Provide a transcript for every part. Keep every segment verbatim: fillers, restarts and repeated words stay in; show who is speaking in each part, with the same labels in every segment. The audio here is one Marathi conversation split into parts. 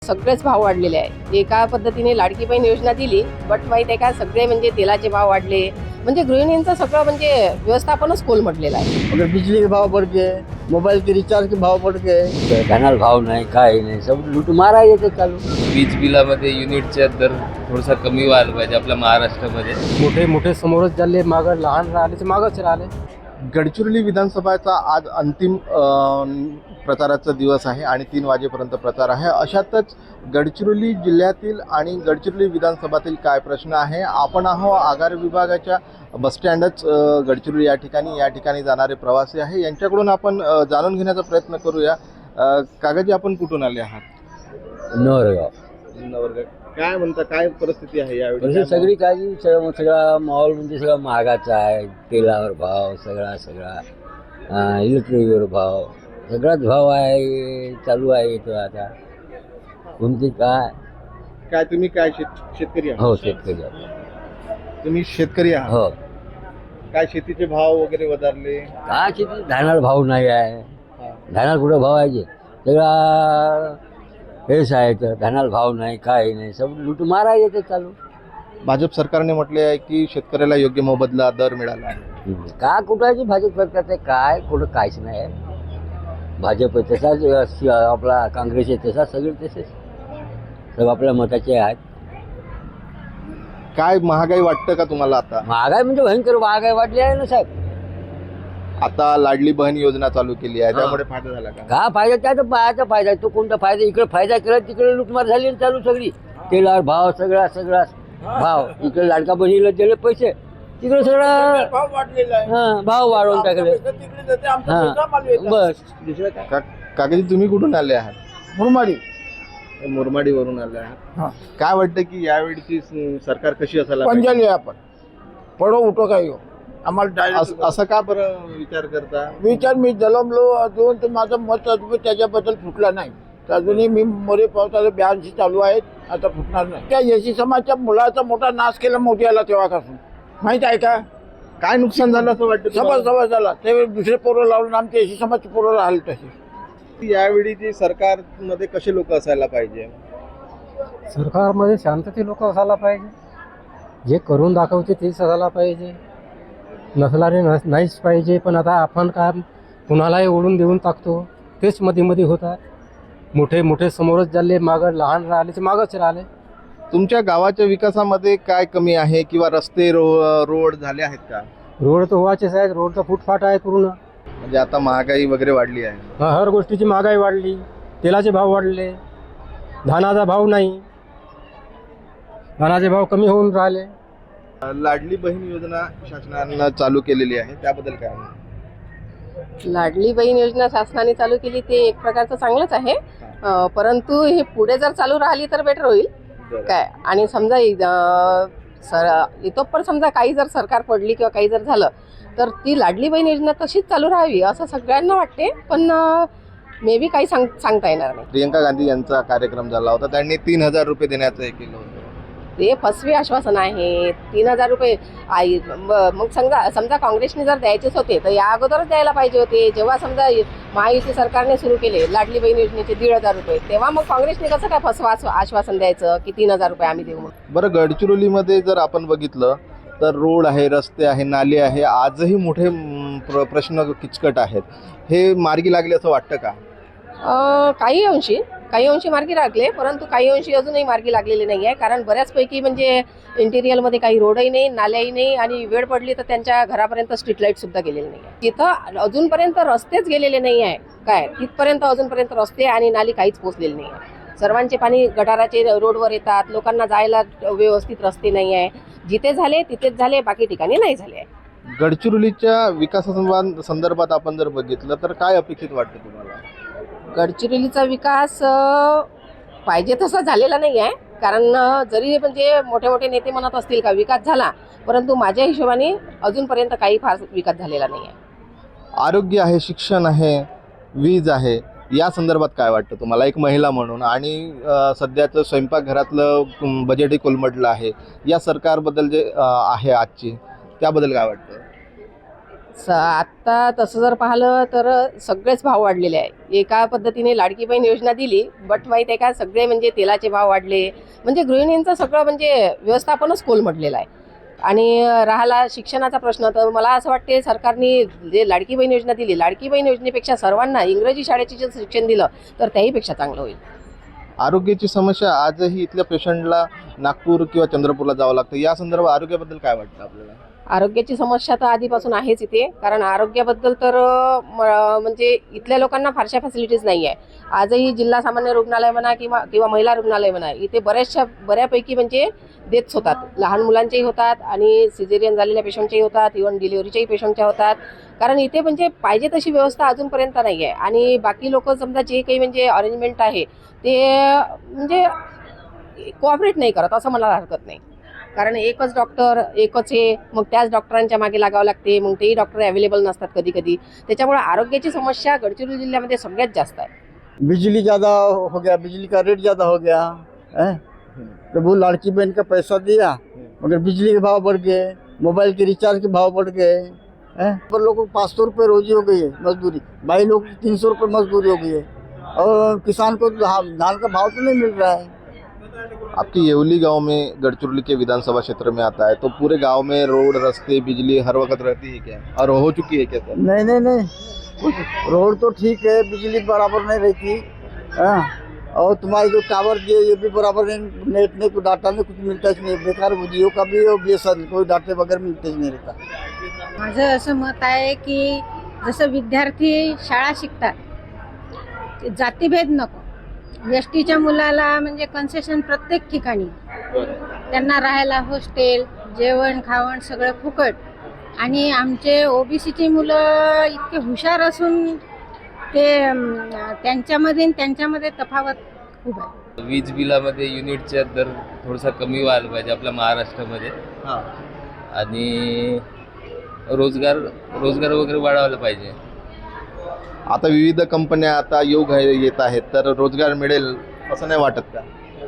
Speaker 1: सगळेच भाव वाढलेले आहे. एका पद्धतीने लाडकी बहीण योजना दिली, बट माहित आहे का, सगळे म्हणजे तेलाचे भाव वाढले, म्हणजे गृहिणींचं सगळं म्हणजे व्यवस्थापनच कोलमडलेलं आहे.
Speaker 2: अगर बिजली के भाव बढ़ गए, मोबाइल के रिचार्ज के भाव बढ़ गए,
Speaker 3: धानाला भाव नाही, काय नाही, सब लूट मारा येते चालू.
Speaker 4: वीज बिलामध्ये युनिटचा दर थोडासा कमी व्हायला पाहिजे आपल्या महाराष्ट्रामध्ये.
Speaker 5: मोठे मोठे समोरच झाले, मागं लहान राहिले ते मागच राहिले.
Speaker 6: गडचिरोली विधानसभाचा आज अंतिम प्रचाराचा दिवस आहे आणि तीन वाजेपर्यंत प्रचार आहे. अशातच गडचिरोली जिल्ह्यातील आणि गडचिरोली विधानसभातील काय प्रश्न आहे, आपण आहो आगार विभागाच्या बसस्टँडच गडचिरोली या ठिकाणी या ठिकाणी जाणारे प्रवासी आहे, यांच्याकडून आपण जाणून घेण्याचा प्रयत्न करूया. काकाजी, आपण कुठून आले आहात?
Speaker 3: नवरगाव.
Speaker 6: नवरगाव. काय म्हणता, काय परिस्थिती आहे यावेळी?
Speaker 3: म्हणजे सगळी काळजी, सगळं सगळा माहोल म्हणजे सगळा महागाचा आहे. तेलावर भाव, सगळा सगळा इलेक्ट्रिकवर भाव, सगळाच भाव आहे चालू आहे. तो आता कोणती काय
Speaker 6: काय तुम्ही काय शेत शेतकरी आहात?
Speaker 3: हो, शेतकरी आहे.
Speaker 6: तुम्ही शेतकरी आहात?
Speaker 3: हो.
Speaker 6: काय शेतीचे भाव वगैरे वधारले?
Speaker 3: काय शेती, धानाला भाव नाही आहे. धानाला कुठं भाव आहे? सगळा हेच आहे, तर धानाला भाव नाही, काय नाही, सब लूट मारा येते चालू.
Speaker 6: भाजप सरकारने म्हटले आहे की शेतकऱ्याला योग्य मोबदला दर मिळाला आहे.
Speaker 3: का कुठाची भाजप सरकारचं काय, कुठं काहीच नाही आहे. भाजप तसाच, आपला काँग्रेस आहे तसा, सगळे तसेच, सगळं आपल्या मताचे आहेत.
Speaker 6: काय महागाई वाटतं का तुम्हाला? आता
Speaker 3: महागाई म्हणजे भयंकर महागाई वाढली आहे ना साहेब.
Speaker 6: आता लाडली बहीण योजना चालू केली आहे, त्यामुळे फायदा झाला का?
Speaker 3: का फायदा? त्याचा पायाचा फायदा आहे. तो कोणता फायदा? इकडे फायदा केला, तिकडे लुटमार झाली आणि चालू सगळी. तेलावर भाव, सगळा सगळा भाव. इकडे लाडका बहिणीला दिले पैसे, तिकडे सगळं हां भाव वाढवून टाकले. हां बस, दुसरं काय.
Speaker 6: का- काकाजी, तुम्ही कुठून आले आहात?
Speaker 2: मुरमाडी.
Speaker 6: मुरमाडीवरून आले आहात. काय वाटतं की यावेळीची स- सरकार कशी असायला पाहिजे?
Speaker 2: पंजाली आपण पडो उठो काय हो. आम्हाला
Speaker 6: अस-
Speaker 2: डायरेक्ट
Speaker 6: असं का बरं विचार करता?
Speaker 2: विचार मी जलमलो अजून तर माझं मत अजून त्याच्याबद्दल फुटला नाही. तर अजूनही मी मोरे पावसाला ब्याऐंशी चालू आहेत, आता फुटणार नाही. त्या एसी समाजच्या मुलाचा मोठा नाश केला मोदी आला तेव्हापासून, माहित आहे का?
Speaker 6: काय नुकसान झालं असं वाटतं
Speaker 2: सभा
Speaker 6: तुम्हाला?
Speaker 2: सभा झाला ते दुसरे पोरं लावून आमचे एसी समाजचे पोरं राहिले तसे.
Speaker 6: यावेळीची सरकारमध्ये कसे लोक असायला पाहिजे?
Speaker 5: सरकारमध्ये शांतते लोक असायला पाहिजे, जे करून दाखवते तेच असायला पाहिजे, नसणारे नस नाहीच पाहिजे. पण आता आपण काय कुणालाही ओढून देऊन टाकतो, तेच मध्ये मध्ये होतात. मोठे मोठे समोरच झाले, मागं लहान राहिले ते मागच राहिले.
Speaker 6: तुमच्या गावाच्या विकासामध्ये काय कमी आहे किंवा रस्ते रो रोड झाले आहेत का?
Speaker 5: रोड तर व्हायचेच आहेत, रोडचा फुटफाट आहे पूर्ण.
Speaker 6: म्हणजे आता महागाई वगैरे वाढली आहे.
Speaker 5: ह- हर गोष्टीची महागाई वाढली, तेलाचे भाव वाढले, धानाचा भाव नाही, धानाचे भाव कमी होऊन राहिले.
Speaker 6: लाडली बहीण योजना शासनानं चालू केलेली आहे, त्याबद्दल काय?
Speaker 1: लाडली बहीण योजना शासनाने चालू केली ते एक प्रकारचं चांगलंच आहे, अं, परंतु हे पुढे जर चालू राहिली तर बेटर होईल काय. आणि समजा अं, सर इतोपर समजा काही जर सरकार पडली किंवा काही जर झालं तर ती लाडली बहीण योजना तशीच चालू राहावी असं सगळ्यांना वाटते, पण मे बी काही सांग सांगता येणार नाही.
Speaker 6: प्रियंका गांधी यांचा कार्यक्रम झाला होता, त्यांनी तीन हजार रुपये देण्याचं हे केलं होतं.
Speaker 1: ते फसवे आश्वासन आहे. तीन हजार रुपये आई म- मग समजा समजा काँग्रेसने जर द्यायचेच होते तर या अगोदरच द्यायला पाहिजे होते. जेव्हा समजा महायुती सरकारने सुरू केले लाडली बहीण योजनेचे दीड हजार रुपये, तेव्हा मग काँग्रेसने कसं काय फसवा आश्वासन द्यायचं की तीन हजार रुपये आम्ही देऊ म्हणून.
Speaker 6: बरं, गडचिरोलीमध्ये जर आपण बघितलं तर रोड आहे, रस्ते आहे, नाले आहे, आजही मोठे म, प्र प्रश्न किचकट आहेत. हे मार्गी लागले असं वाटतं का?
Speaker 1: अं, काही अंशी काही अंशी मार्गी लागले, परंतु काही अंशी अजूनही मार्गी लागलेले नाही आहे. कारण बऱ्याचपैकी म्हणजे इंटिरियलमध्ये काही रोडही नाही, नाल्याही नाही, आणि वेळ पडली तर त्यांच्या घरापर्यंत स्ट्रीट लाईट सुद्धा गेलेले नाही आहे. तिथं अजूनपर्यंत रस्तेच गेलेले नाही आहे काय. तिथपर्यंत अजूनपर्यंत रस्ते आणि नाली काहीच पोचलेले नाही आहे. सर्वांचे पाणी गटाराचे रोडवर येतात, लोकांना जायला व्यवस्थित रस्ते नाही आहे. जिथे झाले तिथेच झाले, बाकी ठिकाणी नाही झाले आहे.
Speaker 6: गडचिरोलीच्या विकासासंबंध संदर्भात आपण जर बघितलं तर काय अपेक्षित वाटतं तुम्हाला?
Speaker 1: गडचिरोलीचा विकास अ, पाहिजे तसा झालेला नाही आहे. कारण अ, जरी म्हणजे मोठे मोठे नेते म्हणत असतील का विकास झाला, परंतु माझ्या हिशोबाने अजूनपर्यंत काही फार विकास झालेला नाही आहे.
Speaker 6: आरोग्य आहे, शिक्षण आहे, वीज आहे, या संदर्भात काय वाटतं तुम्हाला एक महिला म्हणून? आणि अ, सध्याचं स्वयंपाकघरातलं अम, बजेटही कोलमडलं आहे. या सरकारबद्दल जे अ, आहे आजची, त्याबद्दल काय वाटतं?
Speaker 1: स आत्ता तसं जर पाहिलं तर सगळेच भाव वाढलेले आहे. एका पद्धतीने लाडकी बहीण योजना दिली, बट माहीत आहे का, सगळे म्हणजे तेलाचे भाव वाढले, म्हणजे गृहिणींचं सगळं म्हणजे व्यवस्थापनच कोलमडलेलं आहे. आणि राहिला शिक्षणाचा प्रश्न, तर मला असं वाटते सरकारने जे लाडकी बहीण योजना दिली, लाडकी बहीण योजनेपेक्षा सर्वांना इंग्रजी शाळेचे जे शिक्षण दिलं तर त्याहीपेक्षा चांगलं होईल.
Speaker 6: आरोग्याची समस्या आजही इथल्या पेशंटला नागपूर किंवा चंद्रपूरला जावं लागतं. या संदर्भात आरोग्याबद्दल काय वाटतं आपल्याला?
Speaker 1: आरोग्याची समस्या तर आधीपासून आहेच इथे, कारण आरोग्याबद्दल तर म- म्हणजे इथल्या लोकांना फारशा फॅसिलिटीज नाही आहे. आजही जिल्हा सामान्य रुग्णालय म्हणा किंवा किंवा महिला रुग्णालय म्हणा, इथे बऱ्याचशा बऱ्यापैकी म्हणजे डेथ्स होतात. लहान मुलांचेही होतात आणि सिझेरियन झालेल्या पेशंटचेही होतात, इव्हन डिलिव्हरीच्याही पेशंटच्या होतात. कारण इथे म्हणजे पाहिजे तशी व्यवस्था अजूनपर्यंत नाही आहे. आणि बाकी लोक समजा जे काही म्हणजे अरेंजमेंट आहे ते म्हणजे कोऑपरेट नाही करत असं मला हरकत नाही. कारण एकच डॉक्टर एकच हे, मग त्याच डॉक्टरांच्या मागे लागावं लागते, मग तेही डॉक्टर अवेलेबल नसतात कधी कधी. त्याच्यामुळे आरोग्याची समस्या गडचिरोली जिल्ह्यामध्ये सगळ्यात जास्त आहे.
Speaker 2: बिजली ज़्यादा हो गया, बिजली का रेट ज़्यादा हो गया है, तो वो लड़की बहन का पैसा दिया मगर बिजली के भाव बढ़ गए, मोबाइल के रिचार्ज के भाव बढ़ गए हैं, पर लोगों को पाँच सौ रुपये रोजी हो गई है मजदूरी, भाई लोग की तीन सौ रुपये मजदूरी हो गई है, और किसान को धान धान का भाव तो नहीं मिल रहा है।
Speaker 6: आपकी येवली गांव में गढ़चिरौली के विधानसभा क्षेत्र में आता है, तो पूरे गांव में रोड रास्ते बिजली हर वक्त रहती है क्या, और हो चुकी है क्या सर?
Speaker 2: नहीं नहीं नहीं, कुछ रोड तो ठीक है, बिजली बराबर नहीं रहती, हाँ, और तुम्हारे जो टावर दिए ये भी बराबर नहीं, नेट नहीं, कोई डाटा नहीं, कुछ मिलता ही नहीं, बेकार जियो का भी और बी एस एन कोई डाटे वगैरह मिलते ही नहीं रहता।
Speaker 7: माझं असं मत आहे की जसं विद्यार्थी शाळा शिकतात, जातीभेद नको, एस टीच्या मुलाला म्हणजे कन्सेशन प्रत्येक ठिकाणी, त्यांना राहायला हॉस्टेल, जेवण खावण सगळं फुकट. आणि आमचे ओबीसीची मुलं इतके हुशार असून ते अं, त्यांच्यामध्ये आणि त्यांच्यामध्ये तफावत खूप आहे.
Speaker 4: वीज बिलामध्ये युनिटचा दर थोडासा कमी व्हायला पाहिजे आपल्या महाराष्ट्रामध्ये.
Speaker 6: हां.
Speaker 4: आणि रोजगार रोजगार वगैरे वाढवायला पाहिजे.
Speaker 6: आता विविध कंपन्या आता योग येत आहेत, तर रोजगार मिळेल असं नाही वाटत का?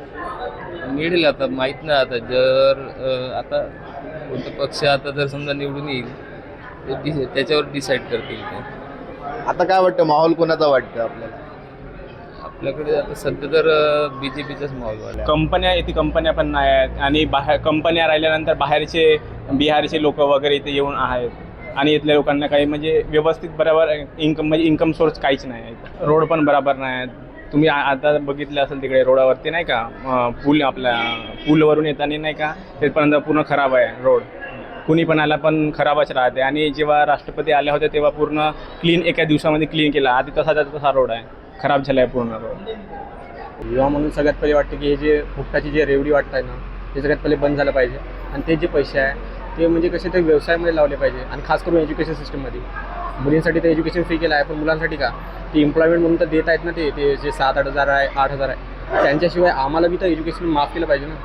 Speaker 4: मिळेल, आता माहीत नाही. आता जर अ, आता कोणता पक्ष आता जर समजा निवडून येईल तर डि- त्याच्यावर डिसाईड करतील ते.
Speaker 6: आता काय वाटतं, माहोल कोणाचा वाटतं आपल्याला?
Speaker 4: आपल्याकडे आता सध्या तर बी जे पीचाच माहोल वाढला.
Speaker 8: कंपन्या इथे कंपन्या पण नाही आहेत, आणि बाहेर कंपन्या राहिल्यानंतर बाहेरचे बिहारचे लोक वगैरे इथे येऊन आहेत, आणि इथल्या लोकांना काही म्हणजे व्यवस्थित बरोबर इन्कम म्हणजे इन्कम सोर्स काहीच नाही आहे. रोड पण बरोबर नाही आहेत. तुम्ही आ- आता बघितलं असेल तिकडे रोडावरती नाही का, अं, पूल आपल्या पूलवरून येताना नाही का, तेपर्यंत पूर्ण खराब आहे रोड. कुणी पण आला पण खराबच राहते. आणि जेव्हा राष्ट्रपती आले होते तेव्हा पूर्ण क्लीन एका दिवसामध्ये क्लीन केला. आधी तसा तसा रोड आहे, खराब झाला आहे पूर्ण रोड. युवा म्हणून सगळ्यात पहिले वाटतं की हे जे फुकटाची जे रेवडी वाटत आहे ना, ते सगळ्यात पहिले बंद झालं पाहिजे. आणि ते जे पैसे आहे ते म्हणजे कसे ते व्यवसायामध्ये लावले पाहिजे. आणि खास करून एज्युकेशन सिस्टममध्ये मुलींसाठी तर एज्युकेशन फ्री केलं आहे, पण मुलांसाठी का, ते एम्प्लॉयमेंट म्हणून तर देत आहेत ना, ते ते जे सात आठ हजार आहे आठ हजार आहे, त्यांच्याशिवाय आम्हाला बी तर एज्युकेशन माफ केलं पाहिजे ना.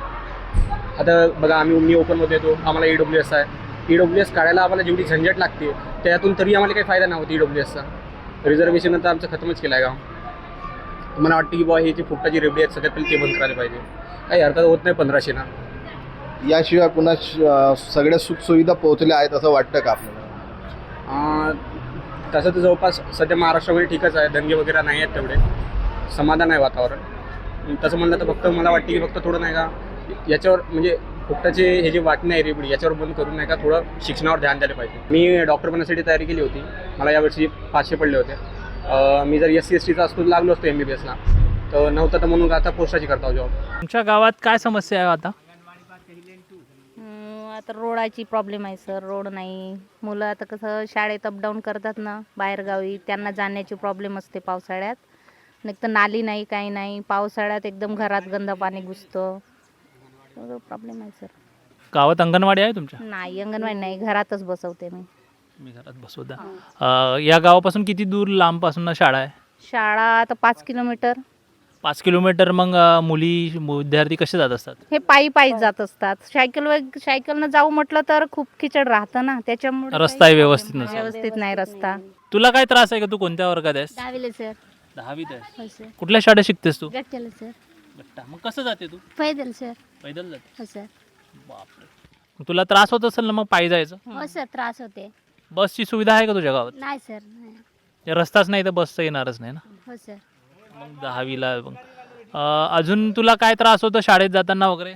Speaker 8: आता बघा, आम्ही मी ओपनमध्ये येतो, आम्हाला ई डब्ल्यू एस आहे. ई डब्ल्यू एस काढायला आम्हाला जेवढी झंझट लागते त्यातून तरी आम्हाला काही फायदा नव्हता. ई डब्ल्यू एसचा रिझर्वेशन तर आमचं खतमच केलं आहे गाव. मला वाटतं की बुवा हे जे फुकटाची रेवडी आहेत सगळ्यात पहिले ते बंद करायला पाहिजे. काही हरकत होत नाही पंधराशे ना.
Speaker 6: याशिवाय पुन्हा श- सगळ्या सुखसुविधा पोहोचल्या आहेत असं वाटतं का आपल्याला?
Speaker 8: अं, तसं तर जवळपास सध्या महाराष्ट्रामध्ये ठीकच आहे, दंगे वगैरे नाही आहेत, तेवढे समाधान आहे वातावरण. तसं म्हणलं तर फक्त मला वाटतं की फक्त थोडं नाही का याच्यावर म्हणजे फुकटाचे हे जे वाटणे आहे रेबडी याच्यावर बंद करून नाही का थोडं शिक्षणावर ध्यान द्यायला पाहिजे. मी डॉक्टर बनण्यासाठी तयारी केली होती, मला यावर्षी पाचशे पडले होते. अं, मी जर एस सी एस टीचा असतो लागलो असतो एम बी बी एसला, तर नव्हतं तर म्हणून आता पोस्टाची करता जॉब.
Speaker 9: तुमच्या गावात काय समस्या आहे आता?
Speaker 10: हम्म, आता रोडाची प्रॉब्लेम आहे सर. रोड नाही. मुलं आता कसं शाळेत अपडाऊन करतात ना बाहेरगावी, त्यांना जाण्याची प्रॉब्लेम असते पावसाळ्यात. नाही तर नाली नाही, काही नाही. पावसाळ्यात एकदम घरात गंद पाणी घुसतं, सगळं प्रॉब्लेम आहे सर.
Speaker 9: गावात अंगणवाडी आहे तुमच्या?
Speaker 10: नाही, अंगणवाडी नाही, घरातच बसवते मी.
Speaker 9: मी घरात बसवता. अं, या गावापासून किती दूर लांबपासून शाळा आहे?
Speaker 10: शाळा आता पाच किलोमीटर.
Speaker 9: पाच किलोमीटर. मग अं, मुली विद्यार्थी कसे जात असतात?
Speaker 10: हे पायी पायी जात असतात. सायकल सायकलनं जाऊ म्हटलं तर खूप खिचड राहतं ना, त्याच्यामुळे
Speaker 9: रस्ता
Speaker 10: काही
Speaker 9: व्यवस्थित
Speaker 10: problem
Speaker 9: नसेल.
Speaker 10: नाही. व्यवस्थित नाही रस्ता.
Speaker 9: तुला काय त्रास आहे का? तू कोणत्या वर्गात आहेस?
Speaker 10: दहावीला सर.
Speaker 9: दहावीत आहेस.
Speaker 10: हो सर.
Speaker 9: कुठल्या शाळेत शिकतेस तू?
Speaker 10: गट्ट्याला सर.
Speaker 9: गट्टा. मग कसं जाते तू?
Speaker 10: पैदल सर.
Speaker 9: पैदल जाते?
Speaker 10: हो सर.
Speaker 9: बापरे. मग तुला त्रास होत असेल ना मग पायी जायचं?
Speaker 10: हो सर, त्रास होते.
Speaker 9: बसची सुविधा आहे का तुझ्या गावात?
Speaker 10: नाही सर नाही.
Speaker 9: ते रस्ताच नाही तर बस तर येणारच नाही ना.
Speaker 10: हो सर.
Speaker 9: मग दहावीला मग अं, अजून तुला काय त्रास होतो शाळेत जाताना वगैरे?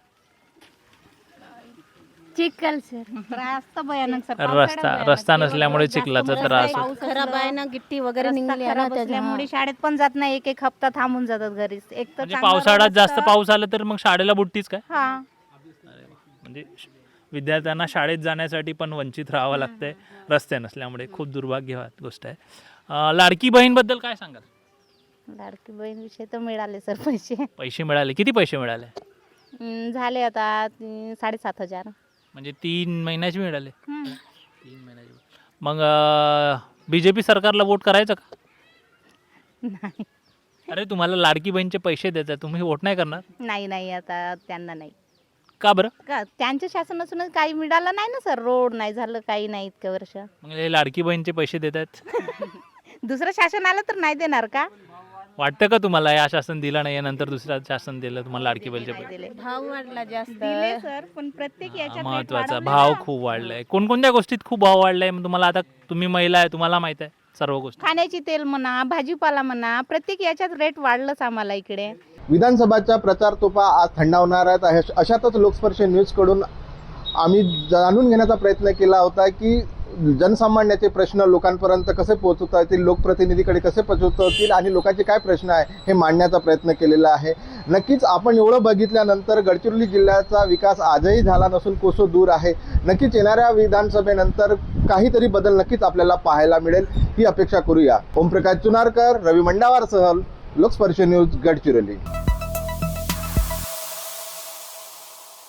Speaker 10: चिखल सर.
Speaker 7: त्रास तर भयानक सर.
Speaker 9: रस्ता रस्ता नसल्यामुळे चिखलाचा त्रास होतो.
Speaker 7: पाऊस खराब आहे ना, गिट्टी वगैरे
Speaker 10: रस्ता
Speaker 7: निघाली आहे ना
Speaker 10: खराब असल्यामुळे
Speaker 7: त्याच्यामुळे
Speaker 10: शाळेत पण जात नाही. एक एक हप्ता थांबून जातात घरीच. एक तर
Speaker 9: म्हणजे
Speaker 10: चांगला
Speaker 9: पावसाळ्यात
Speaker 10: रोड
Speaker 9: जास्त
Speaker 10: असतं.
Speaker 9: पाऊस आला तर मग शाळेला बुडतीच काय?
Speaker 10: हा.
Speaker 9: म्हणजे श- विद्यार्थ्यांना शाळेत जाण्यासाठी पण वंचित राहावं लागतंय रस्ते नसल्यामुळे. खूप दुर्भाग्य गोष्ट आहे. अं, लाडकी बहीणबद्दल काय सांगाल?
Speaker 10: लाडकी बहीण विषय तर मिळाले सर पैसे.
Speaker 9: पैसे मिळाले? किती पैसे मिळाले?
Speaker 10: हम्म, झाले आता तीन- साडेसात हजार.
Speaker 9: म्हणजे तीन महिन्याचे मिळाले.
Speaker 10: हम्म.
Speaker 9: तीन महिन्याचे. मग बीजेपी सरकारला वोट करायचं का?
Speaker 10: नाही
Speaker 9: अरे तुम्हाला लाडकी बहीणचे पैसे देतात, तुम्ही वोट नाही करणार
Speaker 10: नाही नाही आता त्यांना नाही.
Speaker 9: का बरं?
Speaker 10: का त्यांच्या शासन असूनच काही मिळालं नाही ना सर. रोड नाही झालं, काही नाही इतक्या वर्ष.
Speaker 9: मग हे लाडकी बहीणचे पैसे देतात.
Speaker 10: दुसरं शासन आलं तर नाही देणार का?
Speaker 9: वाटतं का तुम्हाला या शासन दिलं नाही नंतर दुसरं शासन दिलं तुम्हाला लाडकी बहीणचे
Speaker 10: नाही
Speaker 9: पैसे?
Speaker 10: दिले.
Speaker 7: भाव वाढला जास्त.
Speaker 10: दिले सर, पण प्रत्येक याच्यात rate
Speaker 9: महत्वाचा
Speaker 10: वाढवले
Speaker 9: भाव
Speaker 10: ना.
Speaker 9: खूप वाढलाय. कोणकोणत्या गोष्टीत खूप भाव वाढलाय? मग तुम्हाला आता तुम्ही महिला आहे, तुम्हाला माहित आहे सर्व गोष्टी.
Speaker 10: खाण्याची तेल म्हणा, भाजीपाला म्हणा, प्रत्येक याच्यात रेट वाढलंच आम्हाला इकडे.
Speaker 6: विधानसभाच्या प्रचार तोफा आज थंडावणार आहेत. अश- अशातच लोकस्पर्श न्यूजकडून आम्ही जाणून घेण्याचा प्रयत्न केला होता की जनसामान्याचे प्रश्न लोकांपर्यंत कसे पोहोचवता येतील, लोकप्रतिनिधीकडे कसे पोहोचवता येतील आणि लोकांचे काय प्रश्न आहे हे मांडण्याचा प्रयत्न केलेला आहे. नक्कीच आपण एवढं बघितल्यानंतर गडचिरोली जिल्ह्याचा विकास आजही झाला नसून कोसो दूर आहे. नक्कीच येणाऱ्या विधानसभेनंतर काहीतरी बदल नक्कीच आपल्याला पाहायला मिळेल ही अपेक्षा करूया. ओमप्रकाश चुनारकर, रवी मंडावारसह लोकस्पर्श न्यूज, गडचिरोली.